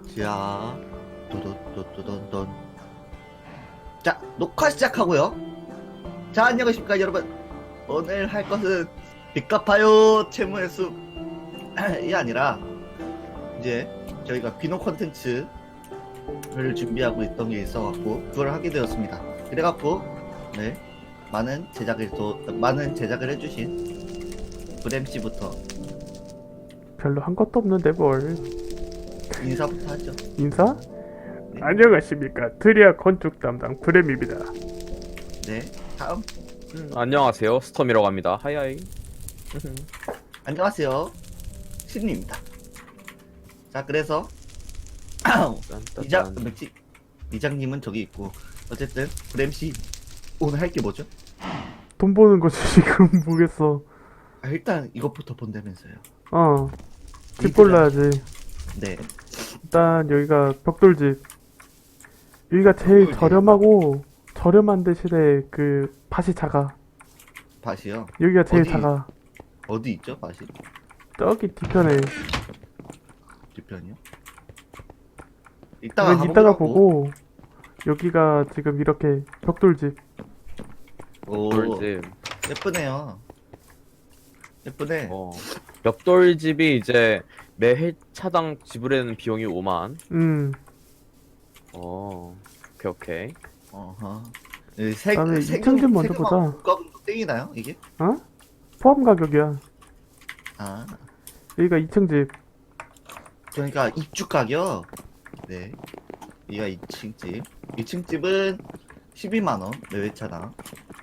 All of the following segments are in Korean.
자, 도도도도돈돈. 자, 녹화 시작하고요. 자, 안녕하십니까 여러분. 오늘 할 것은 빚 갚아요 채무의 숲이 아니라 이제 저희가 비노 컨텐츠를 준비하고 있던 게 있어갖고 그걸 하게 되었습니다. 그래갖고 네, 많은 제작을 해주신 브램씨부터 별로 한 것도 없는데 뭘. 인사부터 하죠. 인사? 네. 안녕하십니까, 트리아 건축 담당 브렘입니다. 네, 다음. 안녕하세요, 스톰이라고 합니다. 하이하이. 안녕하세요, 신입니다. 자, 그래서 이장님은 저기 있고 어쨌든 브램씨 오늘 할 게 뭐죠? 돈 버는 거지 지금. 뭐겠어. 아, 일단 이것부터 본다면서요. 집 골라야지. 네, 일단 여기가 벽돌집. 여기가 제일 벽돌집. 저렴하고 저렴한 대신에 그 밭이 작아. 밭이요. 여기가 제일 어디? 작아. 어디 있죠, 밭이? 저기 뒤편에. 뒤편이요? 이건 이따가 보고. 여기가 지금 이렇게 벽돌집. 오, 벽돌집. 예쁘네요. 예쁘네. 벽돌집이 이제 매 회차당 지불하는 비용이 5만. 오케이. 어허. 다음에 2층 집 먼저 보자. 국가금도 땡이나요, 이게? 포함 가격이야. 아, 여기가 2층 집. 그러니까 입주 가격. 네, 여기가 2층 집. 2층 집은 12만 원 매회차당.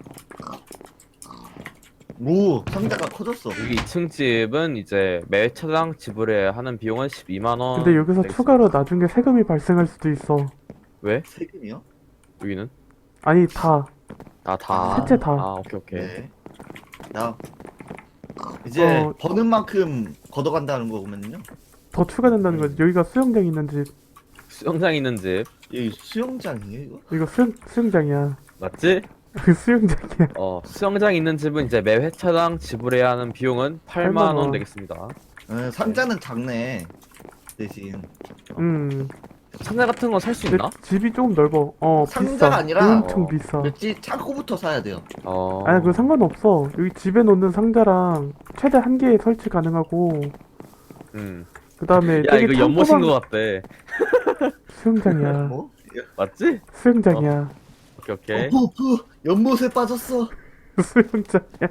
오, 상자가 커졌어. 여기 2층 집은 이제 매 회차당 지불해야 하는 비용은 12만 원. 근데 여기서 추가로 나중에 세금이 발생할 수도 있어. 왜? 세금이요? 여기는? 아니, 다. 다. 셋째 다. 오케이. 네. 다음. 이제 버는 만큼 걷어간다는 거면요. 더 추가된다는 거지. 여기가 수영장 있는 집. 수영장 있는 집. 여기 수영장이에요, 이거? 이거 수영장이야. 맞지? 수영장이야. 수영장 있는 집은 이제 매 회차당 지불해야 하는 비용은 8만 원 되겠습니다. 상자는 작네. 대신 상자 같은 거 살 수 근데 있나? 집이 조금 넓어. 상자가 비싸. 아니라 엄청 비싸. 왠지 창고부터 사야 돼요. 아니, 그거 상관없어. 여기 집에 놓는 상자랑 최대 한 개에 설치 가능하고, 그 다음에 야, 이거 연못인 것 같대. 수영장이야. 뭐? 맞지? 수영장이야. 오케이. 연못에 빠졌어. 수영장이야.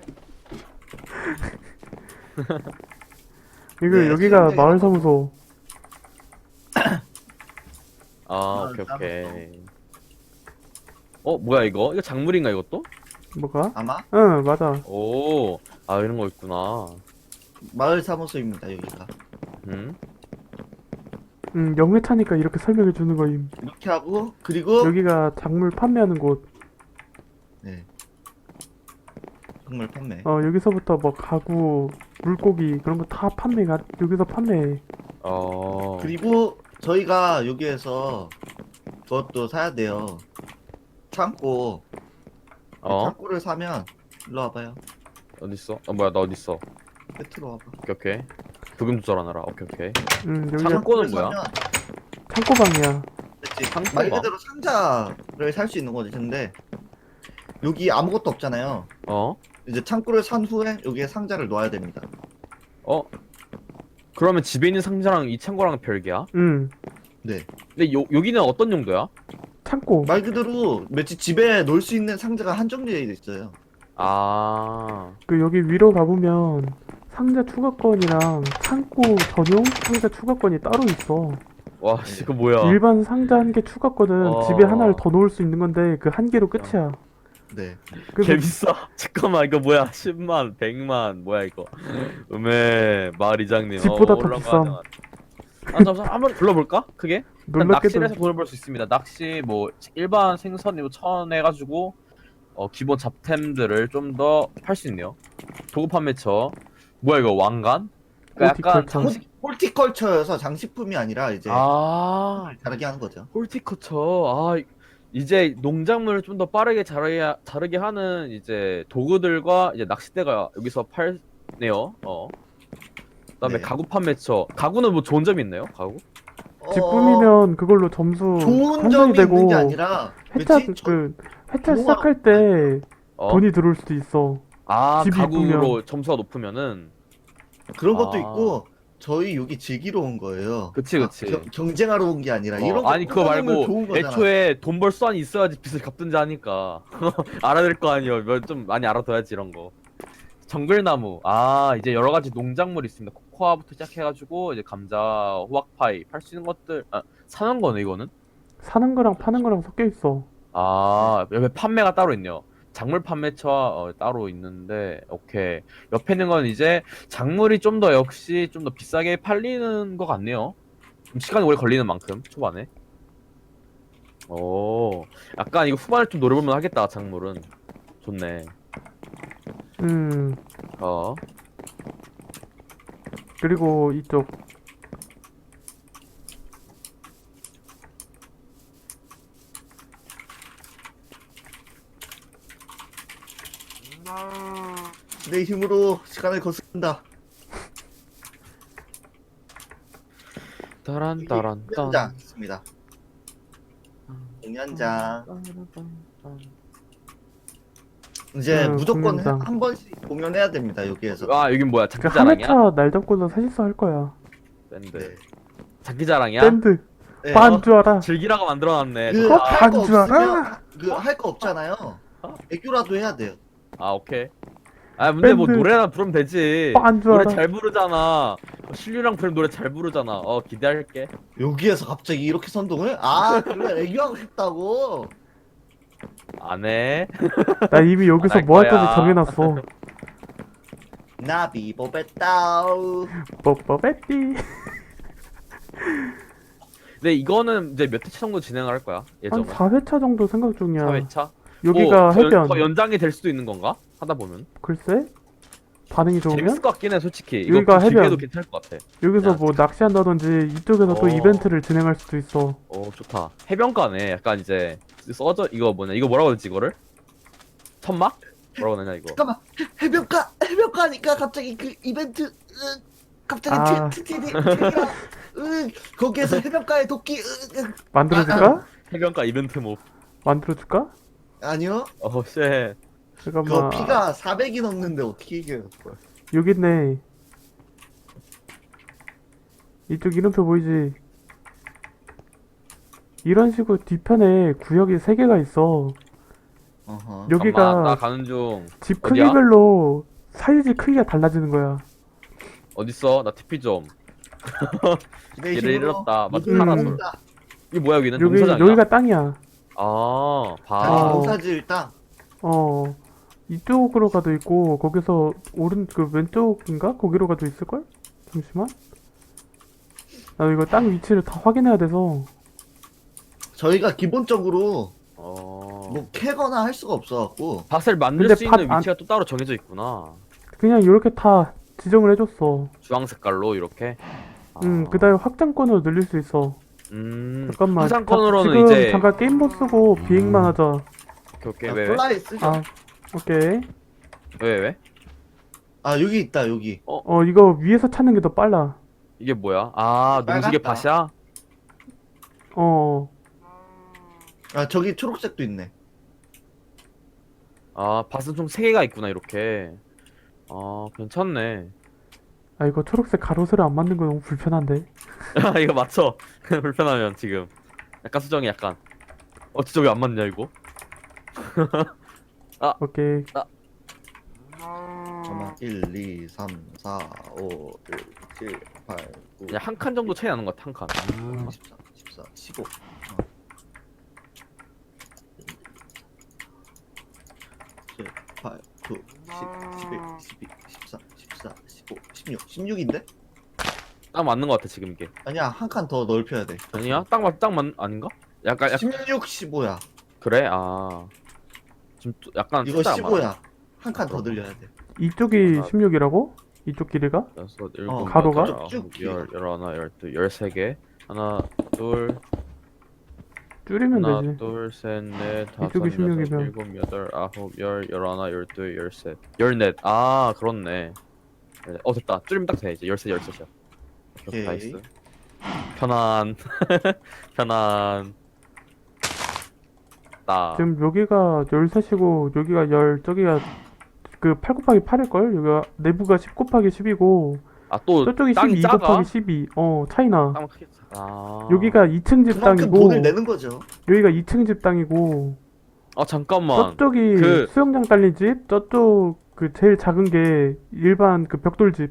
이거 네, 여기가 수영장이라고. 마을사무소. 오케이. 뭐야 이거? 이거 작물인가 이것도? 뭐가? 아마 응, 맞아. 이런 거 있구나. 마을 사무소입니다, 여기가. 영회 차니까 이렇게 설명해 주는 거임. 이렇게 하고 그리고 여기가 작물 판매하는 곳. 네. 정말 판매. 여기서부터 뭐 가구, 물고기 그런 거 다 판매가 여기서 판매해. 그리고 저희가 여기에서 그것도 사야 돼요. 창고. 창고를 사면 일로 와봐요. 어딨어? 뭐야 나 어딨어? 끝으로 와봐. 오케이. 부금 조절하느라. 오케이. 여기가 창고는 뭐야? 사면 창고방이야. 그치. 창고가? 말 그대로 상자를 살 수 있는 거지. 근데 여기 아무것도 없잖아요. 이제 창고를 산 후에 여기에 상자를 넣어야 됩니다. 그러면 집에 있는 상자랑 이 창고랑 별개야? 네. 근데 여기는 어떤 용도야? 창고. 말 그대로 매치 집에 놓을 수 있는 상자가 한정되어 있어요. 그 여기 위로 가보면 상자 추가권이랑 창고 전용 상자 추가권이 따로 있어. 와, 이거 뭐야? 일반 상자 한 개 추가권은 집에 하나를 더 놓을 수 있는 건데 그 한 개로 끝이야. 네. 그래서 개 비싸. 잠깐만 이거 뭐야? 10만, 100만 뭐야 이거? 마을 이장님. 집보다 더 올라가야 비쌈. 되나? 잠시만 한번 불러볼까? 크게? 일단 놀랍게도 낚시를 해서 돈을 벌 수 있습니다. 낚시 뭐 일반 생선이고 해가지고 기본 잡템들을 좀 더 팔 수 있네요. 도구 판매처. 뭐야 이거 왕관? 그러니까 약간 호티컬처. 홀티컬처여서 장식품이 아니라 이제 자르게 하는 거죠. 홀티커처. 이제 농작물을 좀 더 빠르게 자르게 하는 이제 도구들과 이제 낚싯대가 여기서 팔네요. 그다음에 네. 가구 판매처. 가구는 뭐 좋은 점이 있나요? 가구? 집 꾸미면 그걸로 점수 좋은 환산이 점이 되고 있는 게 아니라 회차 그치? 회차 좋아. 시작할 때 어? 돈이 들어올 수도 있어. 아, 집이 가구로 이쁘면. 점수가 높으면은 그런 것도 아. 있고 저희 여기 즐기러 온 거예요. 그치, 그치. 경쟁하러 온 게 아니라 이런 거 아니 그거 꽂아놓으면 말고 좋은 거잖아. 애초에 돈 벌 수완이 있어야지 빚을 갚든지 하니까 알아야 될 거 아니에요. 좀 많이 알아둬야지 이런 거. 정글나무. 아, 이제 여러 가지 농작물이 있습니다. 코코아부터 시작해가지고 이제 감자, 호박파이 팔 수 있는 것들 사는 거네 이거는. 사는 거랑 파는 거랑 섞여 있어. 아, 옆에 판매가 따로 있네요. 작물 판매처 따로 있는데, 오케이. 옆에 있는 건 이제 작물이 좀 더 역시 좀 더 비싸게 팔리는 것 같네요. 좀 시간이 오래 걸리는 만큼 초반에. 오, 약간 이거 후반에 좀 노려보면 하겠다. 작물은 좋네. 어, 그리고 이쪽 내 힘으로 시간을 거스른다. 따란 공연장 있습니다. 공연장. 이제 무조건 공연장. 한 번씩 공연해야 됩니다. 여기에서. 아, 여긴 뭐야? 그 장기자랑이야? 한회차 날 잡고서 사실서 할 거야. 밴드. 네. 장기자랑이야? 밴드 네, 반줄 알아. 즐기라고 만들어놨네. 그 어? 할 거 반줄 알아? 없으면 그 할 거 없잖아요. 애교라도 해야 돼요. 아, 오케이. 아, 근데 뭐 밴드. 노래나 부르면 되지. 빤줄 노래 알아. 잘 부르잖아. 신류랑 부르면 노래 잘 부르잖아. 기대할게. 여기에서 갑자기 이렇게 선동을? 아, 그래 애교하고 싶다고. 안 해. 나 이미 여기서 할 뭐 할 거야. 건지 정해놨어. 나비 보베따우. 뽀뽀베띠. 근데 이거는 이제 몇 회차 정도 진행을 할 거야? 한 예정은? 4회차 정도 생각 중이야. 4회차? 여기가 해변. 더 연장이 될 수도 있는 건가? 하다 보면. 글쎄? 반응이 재밌을 좋으면? 것 같긴 해, 솔직히. 이거 여기가 길게도 해변. 괜찮을 것 같아. 여기서 야. 뭐 낚시한다든지 이쪽에서 또 어. 이벤트를 진행할 수도 있어. 좋다. 해변가네. 약간 이제 써져 이거 뭐냐? 이거 뭐라고 하지 이거를? 천막? 뭐라고 하냐 이거? 잠깐만 해변가니까 갑자기 그 이벤트 갑자기 아. 거기에서 해변가에 도끼 만들어줄까? 해변가 이벤트 뭐? 만들어줄까? 아니요. 쉣. 그거 잠깐만. 피가 400이 넘는데 어떻게 이겨요? 여기 있네. 이쪽 이름표 보이지? 이런 식으로 뒤편에 구역이 3개가 있어. 어허. 여기가 잠깐만, 나 가는 중. 집 어디야? 크기별로 사이즈 크기가 달라지는 거야. 어딨어? 나 TP 좀. 내 얘를 힘으로 잃었다. 맞아, 모두를 파라솔. 모은다. 이게 뭐야 여기는? 여기 농사장이야? 여기가 땅이야. 다시 아. 농사 지을 땅. 이쪽으로 가도 있고 거기서 그 왼쪽인가? 거기로 가도 있을걸? 잠시만. 나 이거 땅 위치를 다 확인해야 돼서. 저희가 기본적으로 어. 뭐 캐거나 할 수가 없어갖고 밭을 만들 근데 수 있는 밭 위치가 또 따로 정해져 있구나. 그냥 이렇게 다 지정을 해줬어. 주황 색깔로 이렇게. 그 다음에 확장권으로 늘릴 수 있어. 잠깐만. 화장권으로는 지금 이제 잠깐 게임 못 쓰고 비행만 하자. 오케이 아, 왜? 플라이 쓰죠. 아, 오케이. 왜? 아 여기 있다 여기. 이거 위에서 찾는 게 더 빨라. 이게 뭐야? 아, 농지계 빨갛다. 밭이야? 아 저기 초록색도 있네. 아, 밭은 총 3개가 있구나 이렇게. 괜찮네. 아, 이거 초록색 가로세로 안 맞는 거 너무 불편한데. 이거 맞춰. 불편하면 지금. 약간 수정이 약간. 진짜 왜 안 맞냐 이거? 오케이. 잠깐만 1, 2, 3, 4, 5, 6, 7, 8, 9, 그냥 한 칸 정도 차이 나는 것 같아, 한 칸. 14, 14, 15. 7, 8, 9, 10, 11, 12, 13, 14, 15, 16. 16인데? 딱 맞는 것 같아 지금 이게. 아니야 한 칸 더 넓혀야 돼. 아니야? 아닌가? 약간 16, 15야. 그래? 좀 약간 이거 숫자가 15야. 한 칸 더 늘려야 돼. 이쪽이 아. 16이라고? 이쪽 길이가? 여섯, 일곱, 가로가? 여덟, 아홉, 열, 열하나, 열둘, 13개. 하나, 둘, 줄이면 하나, 되지. 둘, 셋, 넷, 다섯, 이쪽이 여섯, 16이면. 일곱, 여덟, 아홉, 열, 열하나, 열둘, 열셋, 열넷. 아, 그렇네. 됐다. 줄이면 딱 돼, 이제. 열셋, 열셋이야. 오케이. 나이스. 편안. 편안. 나. 지금 여기가 13이고 여기가 저기가 그 8 곱하기 8일걸? 여기가 내부가 10 곱하기 10이고 아, 또 저쪽이 땅이 12 작아? 곱하기 12. 차이나. 땅 크게 아. 여기가 2층 집 그만큼 땅이고 돈을 내는 거죠. 여기가 2층 집 땅이고 아, 잠깐만. 저쪽이 그- 수영장 딸린 집, 저쪽 그 제일 작은 게 일반 그 벽돌집.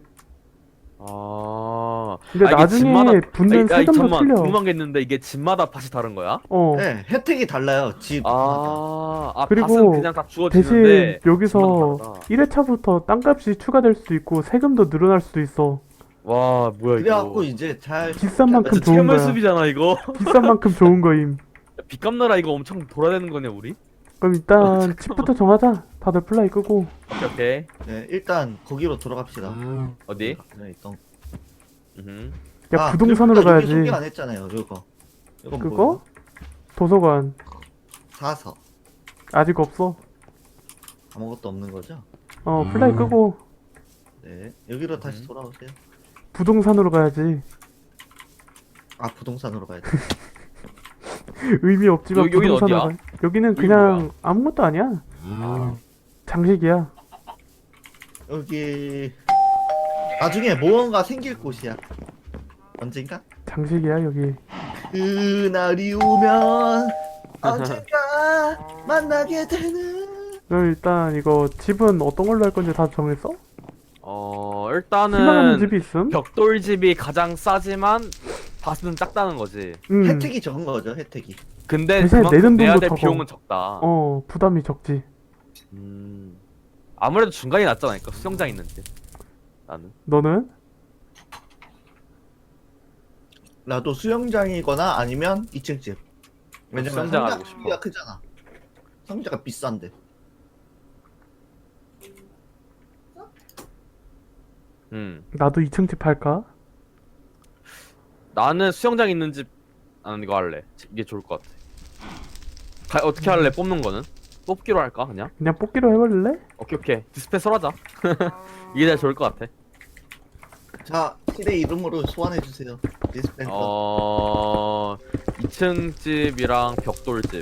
아. 근데 이게 나중에 붙는 아니, 세금도 잠깐만. 틀려. 궁금한 게 있는데 이게 집마다 밭이 다른 거야? 네, 혜택이 달라요. 집. 그리고 밭은 그냥 다 주어지는데 대신 여기서 집마다 다르다. 1회차부터 땅값이 추가될 수도 있고 세금도 늘어날 수도 있어. 와, 뭐야 그래갖고 이거. 이제 잘 비싼 만큼 진짜 좋은 거야. 채물숲이잖아 이거. 비싼 만큼 좋은 거임. 빚값 나라 이거 엄청 돌아야 되는 거네 우리. 그럼 일단 집부터 정하자. 다들 플라이 끄고. 오케이 오케이. 네, 일단 거기로 들어갑시다. 어디? 네, 있던. 음. 야 부동산으로 그리고 여기 가야지. 소개 안 했잖아요. 이거. 이건 그거? 뭐예요? 도서관 사서. 아직 없어. 아무것도 없는 거죠? 플라이 끄고 네, 여기로 다시 돌아오세요. 부동산으로 가야지. 아, 부동산으로 가야 돼. 의미 없지만 여기는 부동산으로 어디야? 가. 여기는 여기 그냥 뭐야? 아무것도 아니야. 장식이야. 여기 나중에 무언가 생길 곳이야. 언젠가? 장식이야 여기. 그날이 오면 언젠가 만나게 되는. 그럼 일단 이거 집은 어떤 걸로 할 건지 다 정했어? 희망하는 일단은 집이 있음? 벽돌집이 가장 싸지만 밭은 작다는 거지. 혜택이 적은 거죠, 혜택이. 근데 대신에 그만큼 내는 내야 돈도 될 적어. 비용은 적다. 부담이 적지. 아무래도 중간이 낫잖아. 그러니까 수영장 있는 집. 나는. 너는? 나도 수영장이거나 아니면 2층 집. 왜냐면 수영장 상자 하고 싶어. 크기가 크잖아. 상자가 비싼데. 나도 2층 집 할까? 나는 수영장 있는 집. 나는 이거 할래. 이게 좋을 것 같아. 어떻게 할래? 뽑는 거는? 뽑기로 할까 그냥? 그냥 뽑기로 해버릴래? 오케이. 디스패스로 하자. 이게 제일 좋을 것 같아. 자, 시대 이름으로 소환해 주세요. 디스펜서. 2층 집이랑 벽돌집.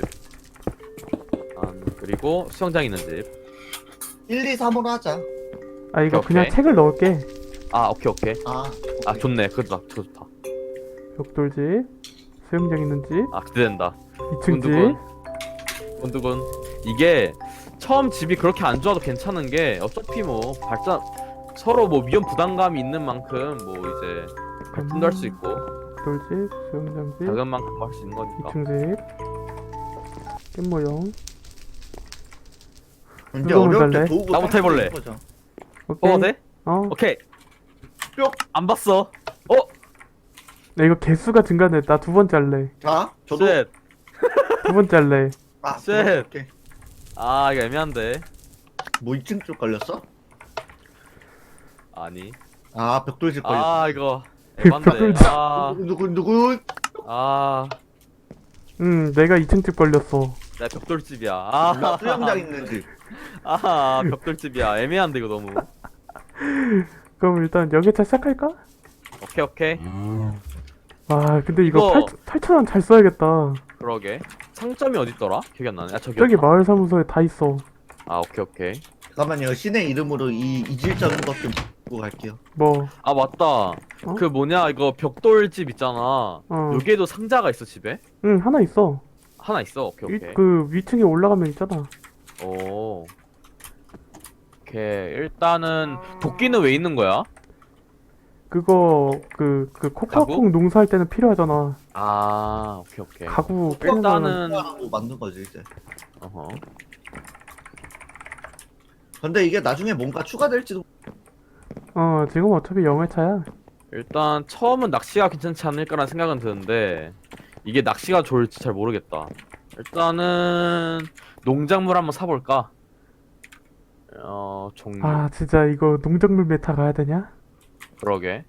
그리고 수영장 있는 집. 1, 2, 3으로 하자. 아 이거 오케이. 그냥 책을 넣을게. 오케이. 아, 좋네. 그거 좋다. 벽돌집, 수영장 있는 집, 기대된다. 2층 집. 두근두근. 이게 처음 집이 그렇게 안 좋아도 괜찮은 게 어차피 뭐 발전 서로 뭐 위험 부담감이 있는 만큼 뭐 이제 발전도 할 수 있고 벽돌집, 수영장 집, 작은 만큼 할 수 있는 거니까. 2층 집. 깻 모형. 이제 누구 어려울 먼저 할래? 때 도우고 나부터 해볼래. 거죠. 오케이. 돼? 오케이. 뿅. 안 봤어. 나 이거 개수가 증가네. 나 두 번째 할래. 자, 저도. 쉣. 두 번째 할래. 아, 쉣. 오케이. 이거 애매한데. 뭐 2층 쪽 걸렸어? 아니. 아, 벽돌집 걸렸어. 이거 애반데. 벽돌집. 누구? 내가 2층 집 걸렸어. 나 벽돌집이야. 나 수영장 있는 집. 벽돌집이야. 애매한데 이거 너무. 그럼 일단 여기차 시작할까? 오케이. 근데 이거 이거- 8,000원 잘 써야겠다. 그러게. 상점이 어딨더라? 기억이 안 나네. 저기. 저기 마을 사무소에 다 있어. 오케이. 잠깐만요. 신의 이름으로 이 이질적인 것 좀 보고 갈게요. 뭐, 맞다. 그 뭐냐 이거 벽돌집 있잖아. 여기에도 상자가 있어 집에? 하나 있어. 하나 있어. 오케이. 그 위층에 올라가면 있잖아. 오케이. 일단은 도끼는 왜 있는 거야? 그거 그 코카콩 농사할 때는 필요하잖아. 오케이. 가구 깨는 거는 일단은 하고 만든 거지 이제. 어허. 근데 이게 나중에 뭔가 추가될지도. 지금 어차피 영회차야. 일단 처음은 낚시가 괜찮지 않을까라는 생각은 드는데 이게 낚시가 좋을지 잘 모르겠다. 일단은 농작물 한번 사볼까? 종류. 진짜 이거 농작물 메타 가야 되냐? 그러게.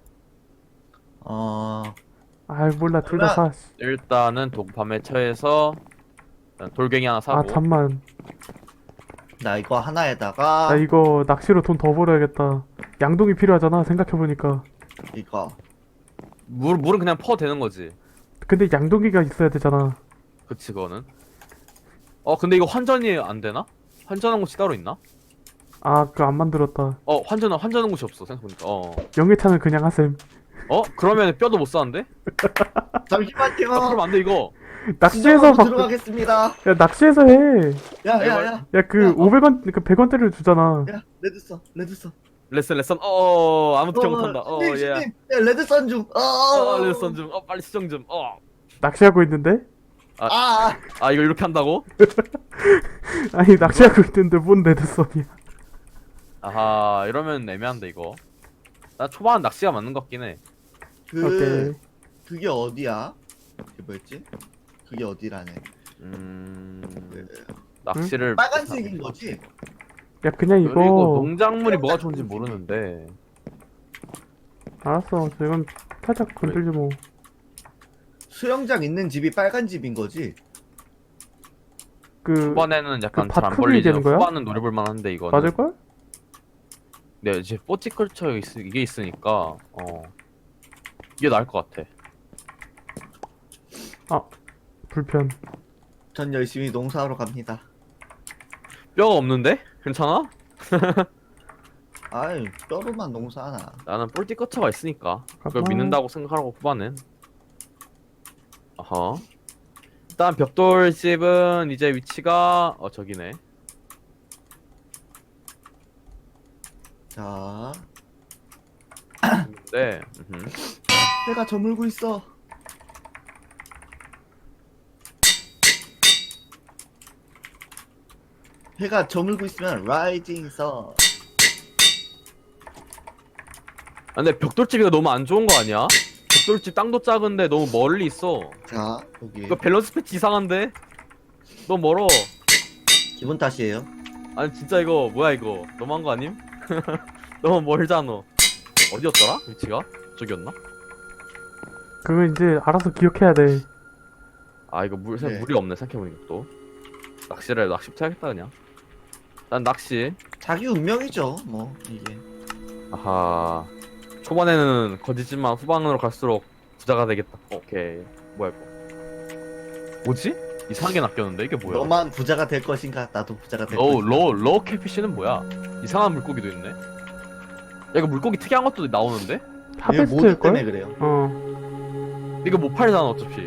몰라 둘 다 사. 일단은 밤에 처해서 돌갱이 하나 사고. 잠만. 나 이거 하나에다가 나 이거 낚시로 돈 더 벌어야겠다. 양동이 필요하잖아 생각해보니까. 이거 물은 그냥 퍼 되는 거지. 근데 양동이가 있어야 되잖아. 그치 그거는. 근데 이거 환전이 안 되나? 환전한 곳이 따로 있나? 아, 그거 안 만들었다. 환전한 곳이 없어 생각해보니까. 영예차는 그냥 하셈. 그러면 뼈도 못 사는데? 잠시만요. 그럼 안 돼 이거. 낚시해서 수정하고 들어가겠습니다. 야, 낚시해서 해. 야야야. 야, 그 야, 500원, 그 100원대를 주잖아. 야 레드선. 레슨. 아무도 기억 못한다. 예. 신님, 야, 레드선 좀. 레슨 좀. 빨리 수정 좀. 낚시하고 있는데? 이거 이렇게 한다고? 아니, 낚시하고 있는데 뭔 레드썬이야. 아하, 이러면 애매한데 이거. 나 초반 낚시가 맞는 것 같긴 해. 오케이. 그게 어디야? 그게 뭐였지? 그게 어디라네. 낚시를 빨간색인 거지? 야, 그냥 그리고 이거. 농작물이 뭐가 좋은지 모르는데. 알았어. 저 이건 살짝 건들지 뭐. 수영장 있는 집이 빨간 집인 거지? 그, 초반에는 약간 그 잘 안 밭 크기 벌리죠. 얘기하는 거야? 후반은 노려볼 만한데 이거는. 맞을걸? 네, 이제 포티컬처 이게 있으니까 이게 나을 것 같아. 불편. 전 열심히 농사하러 갑니다. 뼈가 없는데? 괜찮아? 아이, 뼈로만 농사하나. 나는 포티컬처가 있으니까 그걸 잠깐만. 믿는다고 생각하고 후반은. 아하. 일단 벽돌집은 이제 위치가 저기네. 자, 네. 해가 저물고 있어. 해가 저물고 있으면 라이징 선. 근데 벽돌집이가 너무 안 좋은 거 아니야? 벽돌집 땅도 작은데 너무 멀리 있어. 자, 여기 이거 밸런스 패치 이상한데? 너무 멀어. 기분 탓이에요. 아니 진짜 이거 뭐야 이거 너무한 거 아님? 너무 멀잖아. 어디였더라? 위치가? 저기였나? 그거 이제 알아서 기억해야 돼. 이거 네. 물이 없네 생각해보니까 또. 낚시부터 해야겠다 그냥. 난 낚시. 자기 운명이죠, 뭐 이게. 아하. 초반에는 거지지만 후반으로 갈수록 부자가 되겠다. 오케이. 뭐야 이거? 뭐지? 이상하게 낚였는데 이게 뭐야? 너만 부자가 될 것인가? 나도 부자가 될 것인가? 로우 캐피쉬는 뭐야? 이상한 물고기도 있네. 야 이거 물고기 특이한 것도 나오는데? 이게 모드 때문에 하베스트일걸? 그래요. 이거 못 팔잖아 어차피.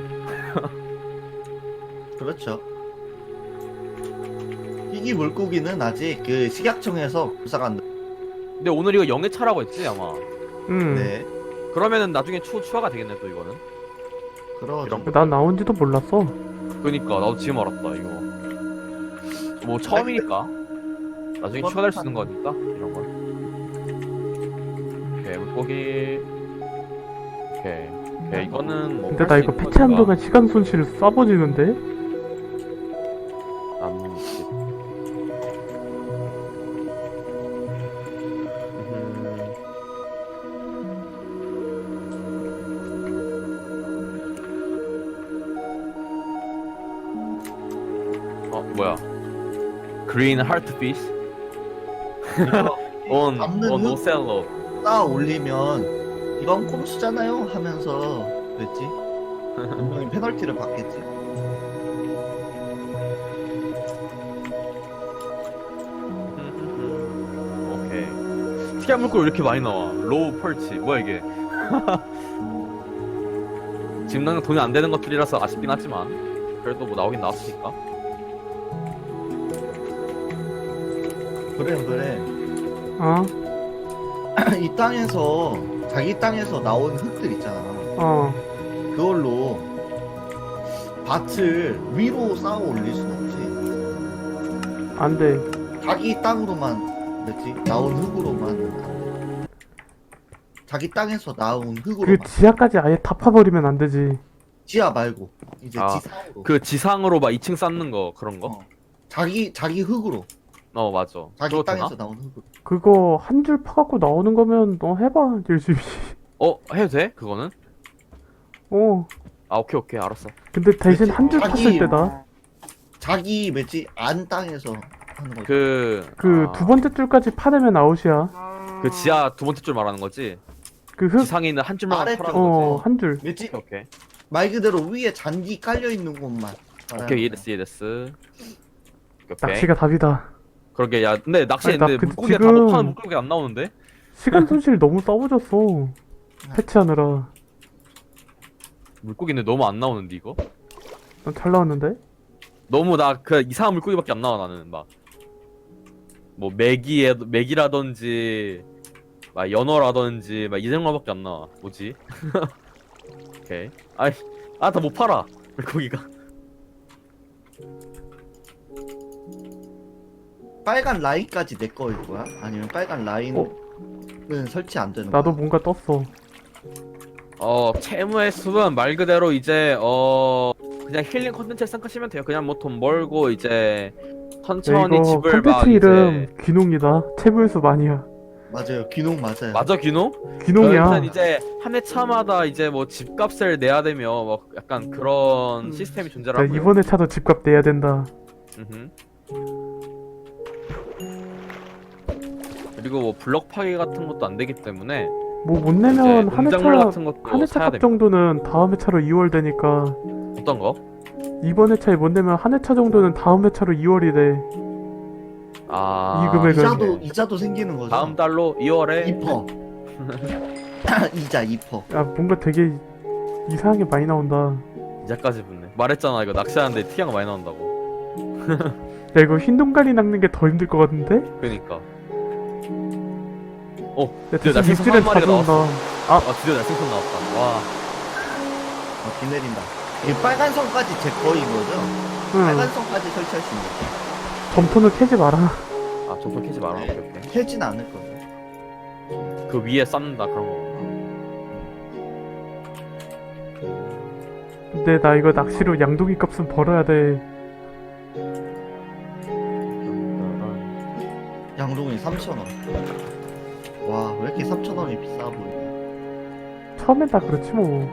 그렇죠. 희귀 물고기는 아직 그 식약청에서 불사가 안 돼. 근데 오늘 이거 영해차라고 했지 아마. 네, 그러면은 나중에 추가가 되겠네 또 이거는. 그러죠. 이런 거. 난 나온지도 몰랐어. 그니까 나도 지금 알았다 이거. 뭐 처음이니까 나중에 추가될 수 있는 거니까 이런 건. 오케이 물고기. 오케이 이거는 뭐. 근데 나 이거 패치한 동안 시간 손실 쏴버지는데? 나뭇잎. 뭐야? 그린 하트 피쉬? on 잡는 on 흙 ocelot. 쌓아 올리면 이건 꼼수잖아요 하면서 그랬지. 분명히 페널티를 받겠지. 오케이. 특이한 물고기 왜 이렇게 많이 나와? 로우 펄치. 뭐야 이게? 지금 당장 돈이 안 되는 것들이라서 아쉽긴 하지만 그래도 뭐 나오긴 나왔으니까. 그래. 어? 이 땅에서 자기 땅에서 나온 흙들 있잖아. 어. 그걸로 밭을 위로 쌓아 올릴 순 없지. 안 돼. 자기 땅으로만 됐지. 나온 흙으로만. 자기 땅에서 나온 그 흙으로만. 지하까지 아예 다 파버리면 안 되지. 지하 말고 이제 아, 지상으로. 그 지상으로 막 2층 쌓는 거 그런 거? 자기 흙으로. 맞아. 자기 그거 땅에서 되나? 나온 흙으로. 그거 한 줄 파갖고 나오는 거면 너 해봐, 열심히. 해도 돼? 그거는? 어. 오케이 알았어. 근데 대신 그치. 한 줄 자기- 팠을 때다. 자기 뭐지 안 땅에서 하는 거지. 그 두 번째 줄까지 파내면 아웃이야. 그 지하 두 번째 줄 말하는 거지? 그 흙, 지상에 있는 한 줄만 아래쪽. 파라는 거지. 한 줄. 왜지? 오케이. 말 그대로 위에 잔디 깔려 있는 곳만. 오케이, 이해됐어, 이해됐어. 오케이. 낚시가 답이다. 그러게, 야, 근데 아니, 나 낚시했는데 그- 물고기가 다 지금- 못하는 물고기가 안 나오는데? 시간 손실 너무 써버렸어. 패치하느라. 물고기는 너무 안 나오는데, 이거? 난 잘 나왔는데? 너무 나 그 이상한 물고기밖에 안 나와, 나는. 막. 뭐, 메기라든지, 막, 연어라든지, 막, 이런 거밖에 안 나와. 뭐지? 오케이. 다 못 팔아. 물고기가. 빨간 라인까지 내 거일 거야? 아니면 빨간 라인은 설치 안 되는 거야? 나도 뭔가 떴어. 채무의 숲은 말 그대로 이제, 그냥 힐링 컨텐츠를 생각하시면 돼요. 그냥 뭐 돈 벌고, 이제, 야, 천천히 이거 집을 막, 컨텐츠 이제. 이름 귀농이다. 채물숲 아니야. 맞아요. 귀농 맞아요. 맞아, 귀농? 귀농이야. 일단 이제 한 회차마다 이제 뭐 집값을 내야 되며 뭐 약간 그런 시스템이 자, 존재하고요. 이번에 차도 집값 내야 된다. 음흠. 그리고 뭐 블럭 파괴 같은 것도 안 되기 때문에 뭐 못 내면 이제 한 농작물 회차 같은 것도 한 회차 사야 값 됩니다. 정도는 다음 회차로 2월 되니까 어떤 거? 이번 회차에 못 내면 한 회차 정도는 다음 회차로 2월이 돼. 아, 이 금액은- 이자도 생기는 거죠. 다음 달로 2월에 2%. 이자 2%. 야, 뭔가 되게 이상하게 많이 나온다. 이자까지 붙네. 말했잖아, 이거 낚시하는데 특이한 거 많이 나온다고. 야, 이거 흰 동가리 낚는 게 더 힘들 것 같은데? 그러니까. 야, 드디어 대신 날생선 육질은 한 마리가 자주 온다. 아, 드디어 날생선 나왔다. 와. 비 내린다. 이 빨간 선까지 제 거인 거죠? 응. 빨간 선까지 설치할 수 있는 거죠. 점토는 캐지 마라. 아, 점프 캐지 마라. 오케이, 오케이. 캐진 않을 거죠. 그 위에 쌓는다 그런 거. 근데 나 이거 낚시로 양동이 값은 벌어야 돼. 양동이 3,000원. 와, 왜 이렇게 3,000원이 비싸 보이냐. 처음엔 다 그렇지 뭐.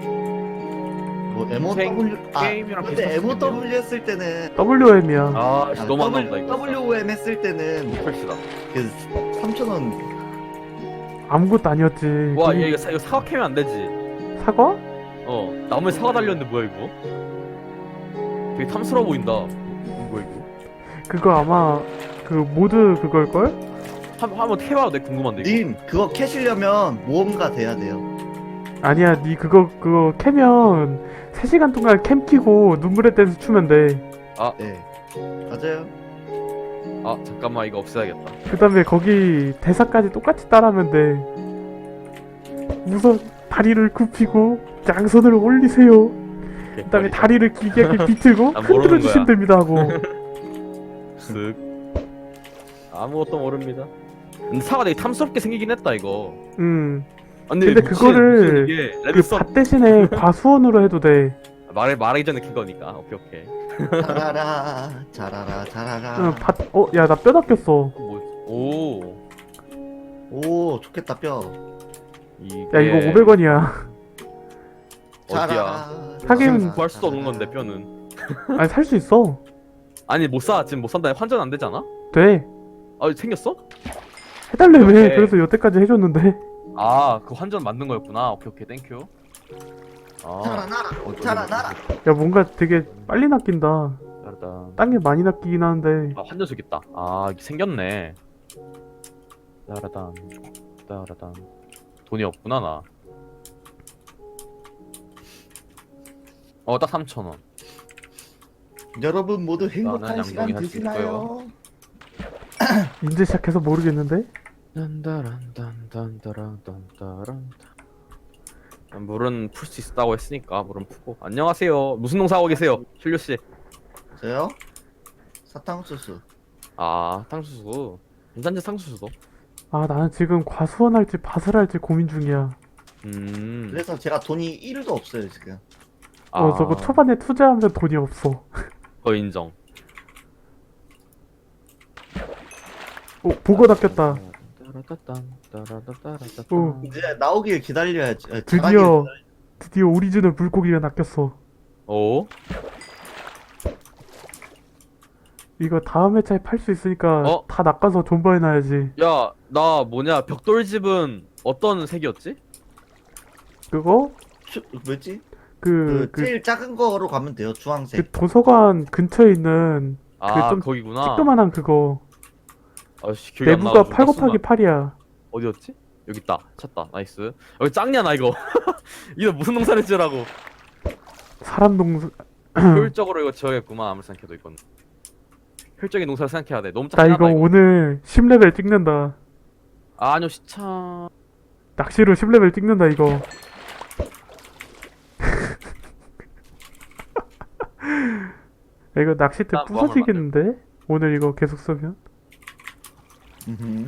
뭐 MOW 게임이랑 근데 비슷한 MOW 했을 때는 WM이야. 아, 씨, 너무 안 나온다 이거. WOM 했을 때는 펼치다. 그 3,000원 아무것도 아니었지. 와, 거기 얘 이거 사과 캐면 안 되지. 사과? 나무에 사과 달렸는데 뭐야 이거? 되게 탐스러워 보인다. 뭐야 이거? 그거 아마 그 모드 그걸걸? 한번 캐봐도 돼 궁금한데 이거. 님 그거 캐시려면 모험가 돼야 돼요. 아니야, 니 그거 캐면 3시간 동안 캠 키고 눈물의 댄스 추면 돼. 네. 맞아요. 아, 잠깐만 이거 없애야겠다. 그 다음에 거기 대사까지 똑같이 따라하면 돼. 우선 다리를 굽히고 양손을 올리세요. 그 다음에 다리를 길게 비틀고 난 모르는 흔들어 주시면 거야. 됩니다 하고. 쓱. 아무것도 모릅니다. 근데 사과 되게 탐스럽게 생기긴 했다 이거. 근데 근데 그거를 이게 그 레드썬 밭 대신에 과수원으로 해도 돼. 말하기 전에 킨 거니까. 오케이 오케이. 자라라 자라라 자라라. 야, 나 뼈 닦였어. 오. 오 좋겠다 뼈. 야, 이거 500원이야. 어디야? 하긴 구할 수도 없는 건데 뼈는. 아니, 살 수 있어. 아니 못 사. 지금 못 산다. 환전 안 되잖아? 돼. 아, 생겼어? 해달래며. 오케이. 그래서 여태까지 해줬는데. 아, 그 환전 만든 거였구나. 오케이 오케이. 땡큐. 아. 자라나라 자라나라. 야, 뭔가 되게 빨리 낚인다. 따르다. 땅에 많이 낚이긴 하는데. 아, 환전석 있다. 아, 이게 생겼네. 따라단. 따라단. 돈이 없구나 나. 딱 3,000원. 여러분 모두 나는 행복한 양동이 시간 할수 되시나요? 이제 시작해서 모르겠는데? 물은 풀 수 있다고 했으니까 물은 푸고. 안녕하세요. 무슨 농사하고 계세요, 힐류 씨? 저요? 사탕수수. 아, 탕수수. 괜찮지 탕수수도. 아, 나는 지금 과수원 할지 밭을 할지 고민 중이야. 그래서 제가 돈이 1도 없어요 지금. 저거 초반에 투자하면 돈이 없어. 인정. 보고 낚였다. 오. 이제 나오길 기다려야지. 드디어 오리지널 물고기가 낚였어. 오? 이거 다음 회차에 팔 수 있으니까 다 낚아서 존버해놔야지. 야, 나 벽돌집은 어떤 색이었지? 그거 뭐지? 그 제일 작은 거로 가면 돼요. 주황색. 도서관 근처에 있는 아 좀 거기구나. 찌끄만한 그거 아씨 기억이 안 내부가 나가지고 8 곱하기 8이야. 어디였지? 여기 있다. 찾다. 나이스. 여기 짱냐 나 이거. 이거 무슨 농사를 지으라고. 사람 농사. 효율적으로 이거 지어야겠구만. 아무리 생각해도 이건. 효율적인 농사를 생각해야 돼. 너무 나 짱나다 이거 이거. 오늘 10레벨 찍는다. 아, 아니요 시차. 낚시로 10레벨 찍는다 이거. 야, 이거 낚싯대 나 뭐 하면 부서지겠는데? 오늘 이거 계속 쓰면? 음흠.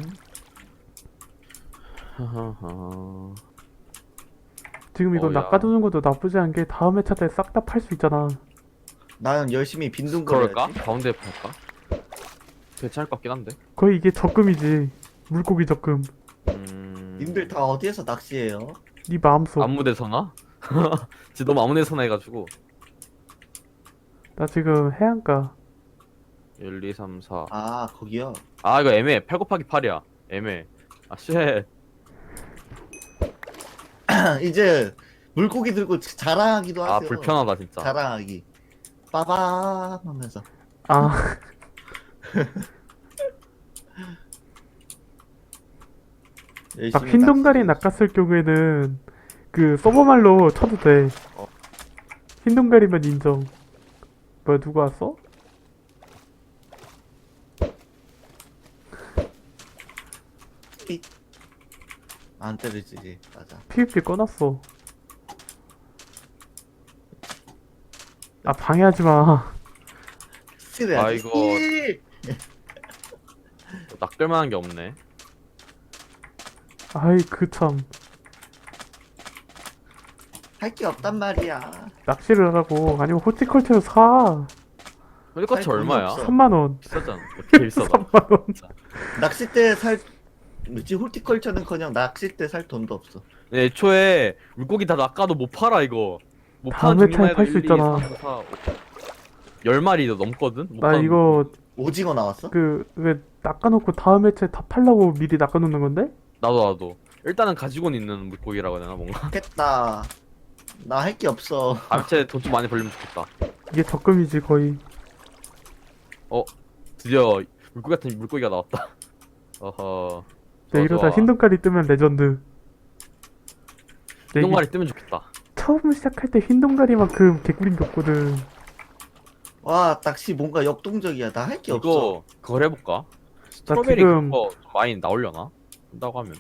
하하하. 지금 이거 어우야. 낚아두는 것도 나쁘지 않은 게 다음 회차 때 싹 다 팔 수 있잖아. 나는 열심히 빈둥거려야지. 그럴까? 가운데에 팔까? 괜찮을 것 같긴 한데. 거의 이게 적금이지. 물고기 적금. 님들 다 어디에서 낚시해요? 네 마음속. 아무데서나? 진짜 너무 아무데서나 해가지고. 나 지금 해안가. 1, 2, 3, 4. 아 거기요? 아 이거 애매해. 8 곱하기 8이야. 애매해. 아 쉣. 이제 물고기 들고 자랑하기도 하세요. 아 불편하다 진짜. 자랑하기. 빠밤 하면서. 아, 막 열심히 흰 동가리 낚시. 낚았을 경우에는 그 서버말로 쳐도 돼. 어. 흰 동가리면 인정. 뭐야 누가 왔어? 안 때리지. 맞아. PVP 꺼놨어. 아 방해하지 마. 스트레스. 아, 이거- 낚을만한 게 없네. 아이 그 참. 할게 없단 말이야. 낚시를 하라고. 아니면 호티컬처를 사. 헐리커치 돈이 얼마야? 없어. 3만 원. 비싸잖아. 되게 비싸다. 3만 원. 낚싯대 살 뭐지? 홀티컬처는커녕 낚싯대 살 돈도 없어. 네, 애초에 물고기 다 낚아도 못 팔아 이거. 못 파는 다음에 종류만 탈 해도 수 1, 2, 있잖아. 3, 4, 5. 10마리도 넘거든? 못 나 파는 이거 오징어 나왔어? 그 왜 낚아놓고 다음 회차에 다 팔라고 미리 낚아놓는 건데? 나도 일단은 가지고는 있는 물고기라고 해야 되나 뭔가. 좋겠다. 나 할 게 없어. 암체 돈 좀 많이 벌리면 좋겠다. 이게 적금이지 거의. 드디어 물고기 같은 물고기가 나왔다. 어허. 내 이러다 좋아. 흰동가리 뜨면 레전드. 내 이게 흰동가리 뜨면 좋겠다. 처음 시작할 때 흰동가리만큼 개꿀인 게 없거든. 와 낚시 뭔가 역동적이야. 나 할 게 없어. 이거 그걸 해볼까? 나 스트로베리 지금 그거 좀 많이 나오려나? 한다고 하면.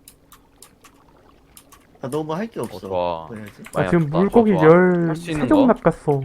나 너무 할 게 없어. 좋아. 뭐 해야지? 나 많이 지금 났다. 물고기 좋아, 좋아. 할수 있는 13종 거? 낚았어.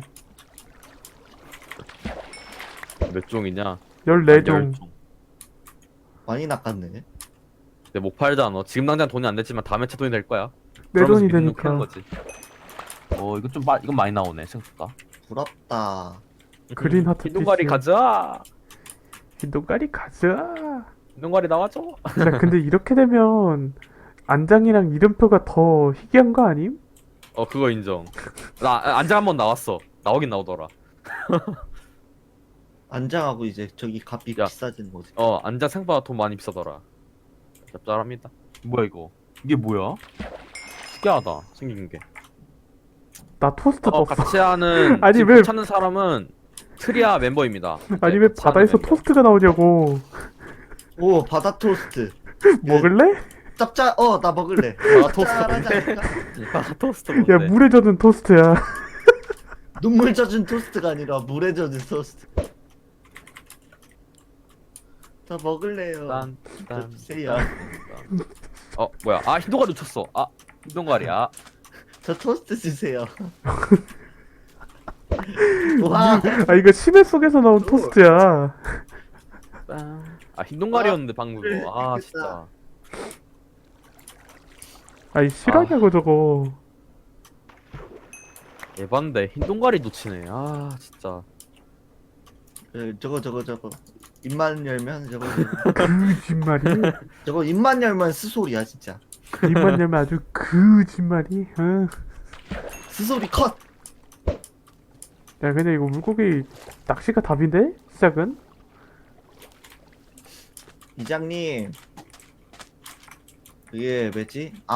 몇 종이냐? 14종. 많이 낚았네. 근데 못 팔잖아. 지금 당장 돈이 안 됐지만 다음에 차 돈이 될 거야. 내 그러면서 돈이 믿는 되니까. 캐는 거지. 이거 좀 이건 많이 나오네 생각보다. 부럽다. 그린 하트 흰동가리 피쉬. 가자. 흰동가리 가자. 흰동가리 나와줘. 야 근데 이렇게 되면 안장이랑 이름표가 더 희귀한 거 아님? 그거 인정. 나 안장 한번 나왔어. 나오긴 나오더라. 안장하고 이제 저기 값이 야. 비싸지는 거지. 안장 생각보다 돈 많이 비싸더라. 짭짤합니다. 뭐야 이거? 이게 뭐야? 특이하다 생긴 게. 나 토스트 떴어. 같이 하는 아니, 지금 왜- 찾는 사람은 트리아 멤버입니다. 아니 왜 같이 바다에서 하는 멤버. 토스트가 나오냐고. 오 바다 토스트. 먹을래? 짭짤. 나 먹을래. 아, 토스트 짭짤하지 뭔데? 않을까? 아, 토스트 야 뭔데? 물에 젖은 토스트야. 눈물 젖은 토스트가 아니라 물에 젖은 토스트. 저 먹을래요. 딴, 저 주세요. 뭐야? 흰동가리 놓쳤어. 흰동가리야. 저 토스트 주세요. 와. 아 이거 심해 속에서 나온 토스트야. 흰동가리였는데 방금 그래, 그거. 됐다. 진짜. 아이 실화냐고 저거. 에반데 흰동가리 놓치네. 진짜. 저거. 입만 열면 저거. 거짓말이. 저거 입만 열면 스소리야 진짜. 입만 열면 아주 거짓말이. 스소리 컷. 야 근데 이거 물고기 낚시가 답인데? 시작은? 이장님. 그게 뭐지?